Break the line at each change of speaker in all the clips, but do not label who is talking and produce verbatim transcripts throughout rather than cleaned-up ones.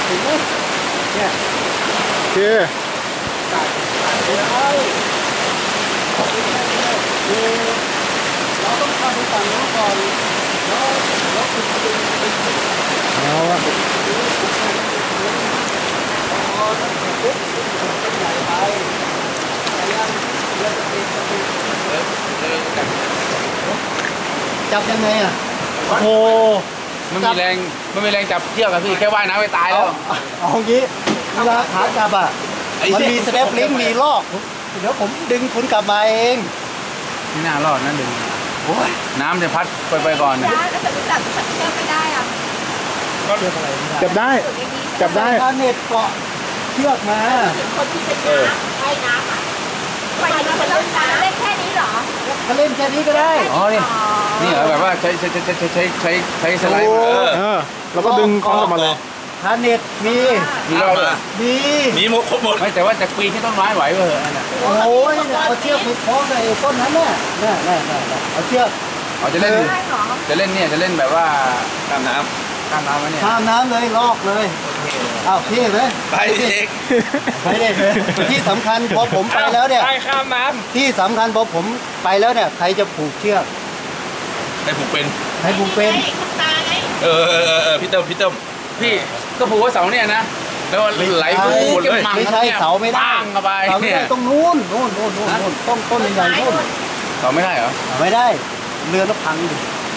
ถึงไหมเนี่ย
โอเค
เราต้องทำไปฝั่งนู้นก่อนแล้วแล้วคุณดึงดึง
เอาละ
พอตั้งแต่ปุ๊บเป็นใหญ่ไปแต่ยังเรือจะเป็นจะเป็นจับยังไงอ่ะโอ้โห
มันมีแรงมันมีแรงจับเชือกอะพี่แค่ว่ายน้ำไปตายแล้ว
เอาอย่างนี้เวลาขาจับอ่ะมันมีสเตปลิงก์มีลอกเดี๋ยวผมดึงคุณกลับมาเอง
ไม่น่ารอดนะดึงโอ้ยน้ำจะพัดไปไปก่อนนะ
แล้วจะจับจับเชือกไม่ได้อ่ะ
จับได้จับได้
เน็ตเกาะเชือกมา
คนที่เป็นน้ำว่ายน้ำอ่ะว่ายน้ำมันต้องการเล่นแค่นี้เหรอ
เขาเล่นแค่นี้ก็ได้
อ๋อนี่นี่เหรอแบบว่าใช้ใช้ใช้ใช้ใช้ใช้ใช้สไลด์
เออแล้วก็ดึงคล้องกลับมาเลย
ฮาร์เน็ตมี
มีรอบเลย
มี
มีหมดครบหมดไม่แต่ว่าจะปีนที่ต้นไม้ไหวเหรอเนี่ย
โอ้ยเอาเชือกไปคล้องในต้นนั้นน่ะน่ะน่ะน่ะเอาเชือก
เอาจะเล่นจะเล่นเนี่ยจะเล่นแบบว่าข้ามน้ำข้ามน้ำไหมเนี่ย
ข้ามน้ำเลยลอกเลยอ้าวพี่เลย
ไปเด็ก
ไปเด็กเลยที่สำคัญพอผมไปแล้วเนี่ย
ไปข้ามน้
ำที่สำคัญพอผมไปแล้วเนี่ยใครจะผูกเชือก
ใครผูกเป็น
ใครผูกเป็น
เออเออเออพี่เติมพี่เติมพี่ก็ผูกว่าเสาเนี่ยนะแล้วไหลปุ๊บหมดเลย
ไม่ใช่เสาไม่ได้
เข้าไป
เสาไม่ได้ต้องนู้นนู้นนู้นนู้นต้นต้นใหญ่ๆนู้น
เสาไม่ได้เหรอ
ไม่ได้เรือแล้วพังดิ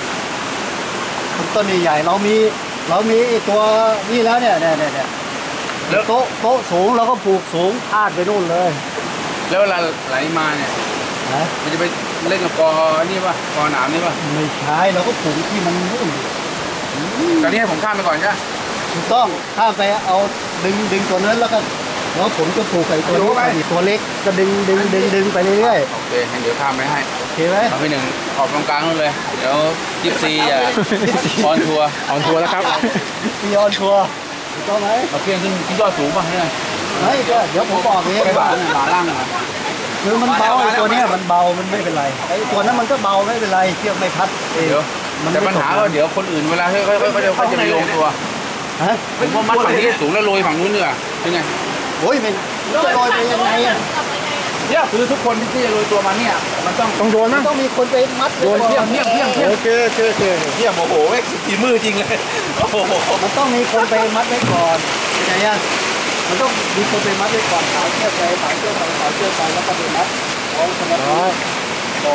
ต้นใหญ่ๆเรามีเรามีตัวนี่แล้วเนี่ยเนี่ยเนี่ยแล้วโต๊ะโต๊ะสูงเราก็ผูกสูงพาดไปนู่นเลย
แล้วเวลาไหลมาเนี่ยมันจะไปเล่นกับกอนี่ป่ะกอหนามนี่ป่ะ
ไม่ใช่เราก็ผูกที่มันนู่น
ตอนนี้ให้ผมข้ามไปก่อนใช่ไหม
ถูกต้องข้ามไปเอาดึงดึงตัวนั้นแล้วก็แล้วผมก็ผูกไปตัวนี้ไปตัวเล็กก็ดึงดึงดึงดึงไปเรื่อย
ๆโอเคเดี๋ยวข้ามไปให้
โอเคไหม
เอาไปหนึ่งออกตรงกลางนู่นเลยเดี๋ยวยิปซีอ่ะออนทัวร์
ออนทัวร์แล้วครับ
มีออนทัวร์ถูกต้องไหม
เอาเพียงขึ้นที่ยอดสูงป่ะเนี่ย
ไม่ก็เดี๋ยวผมบอกเอง
ว่าหลาล่างอ่ะ
คือมันเบาไอ้ตัวนี้มันเบามันไม่เป็นไรไอ้ตัวนั้นมันก็เบาไม่เป็นไรเชือกไม่พัด
เดี๋ยวแต่ปัญหาก็เดี๋ยวคนอื่นเวลาเขาเขาเขาจะเขาจะไปโยงตัว
ฮะ
ผมว่ามัดฝั่งนี้สูงแล้วโรยฝั่งนู้นเนี่ยเป็นไง
โอ้ยมันจะโรยไปยังไงอ่ะ
เนี่ยคือทุกคนที่จะโรยตัวมาเนี่ยมันต้อง
ต้องโยนนะ
ต้องมีคนไปมัด
โยนเที่ยงเที่ยงเที่ยงเที่ยง
โอเคโอเคโอเค
เที่ยงโอ้โหเอ็กซ์ตีมือจริงเลยโอ้โห
มันต้องมีคนไปมัดไว้ก่อนเป็นไงอ่ะมันต้องมีคนไปมัดไว้ก่อนสายเชือกไปสายเชือกไปสายเชือกไปแล้วก็ไปมัดของสมัติบอก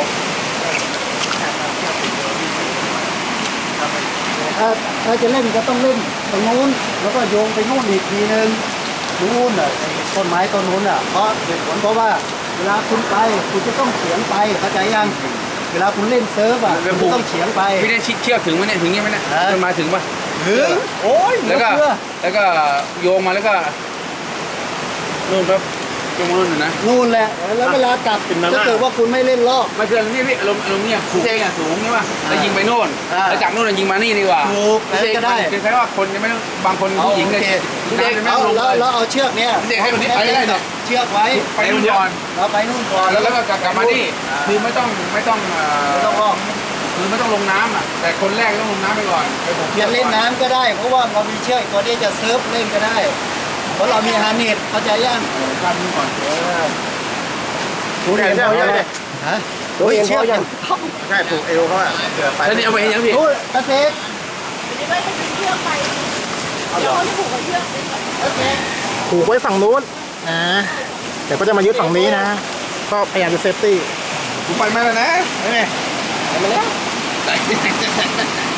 ถ้าถ้าจะเล่นก็ต้องเล่นตรงนู้นแล้วก็โยงไปนู่นอีกทีนึงนู่นอ่ะต้นไม้ต้นนู้นอ่ะเพราะเหตุผลเพราะว่าเวลาคุณไปคุณจะต้องเฉียงไปเข้าใจยังเวลาคุณเล่นเซิร์ฟอ่ะคุณต้องเฉียงไป
พี่ได้ชิดเชือกถึงไหมเนี่ยถึงนี่ไหมเนี่ยมันมาถึงป่ะ
ถึงโอ้ย
แล้วก็แล้วก็โยงมาแล้วก็นู่นครับโยงนู่นนะ
นู่นแหละแล้วเวลากลับถ้าเกิดว่าคุณไม่เล่นลอก
ไม่คือนี่พี่อารมณ์อารมณ์เนี่ยเชงอ่ะสูงใช่ป่ะแล้วยิงไปโน่นแล้วจากโน่นยิงมานี่ดีกว่า
ถูกก็ได้
คือแค่ว่าคนจะไม่บางคนผู้หญิงเลย
เด็กเอาแล้วเอาเชือกเนี้ย
เด็กให้คนนี้ไปได้เนี่ย
เชือกไว้
ไปนู่นก่อน
เราไปนู่นก่อน
แล้วก็กลับมานี่คือไม่ต้องไม่ต้อง
ไม่ต้องลอก
คือไม่ต้องลงน้ำอ่ะแต่คนแรกต้องลงน้ำไปก่อน
จะเล่นน้ำก็ได้เพราะว่าเรามีเชือกตัวนี้จะเซิร์ฟเล่นก็ได้เพราะเรามีฮาร์เน็ตเข้าใจยัง
การดูก่อน
ผูกเอวเขาเลย
ฮะผูกเอวเขายัง
ใช่ผูกเอวเขาอ่ะ
แล้วนี่เอาไปยังพี่
รู้กระเซ็ก
ไม่ได้เป็นเชือกไปเดี๋ยวเขาผูกกับเชือก
ผูกไว้ฝั่งนู้นนะแต่ก็จะมายึดฝั่งนี้นะก็พยายามจะเซฟตี้
ผูกไปมาแล้วนะ
ไปไหมไปมาแล้ว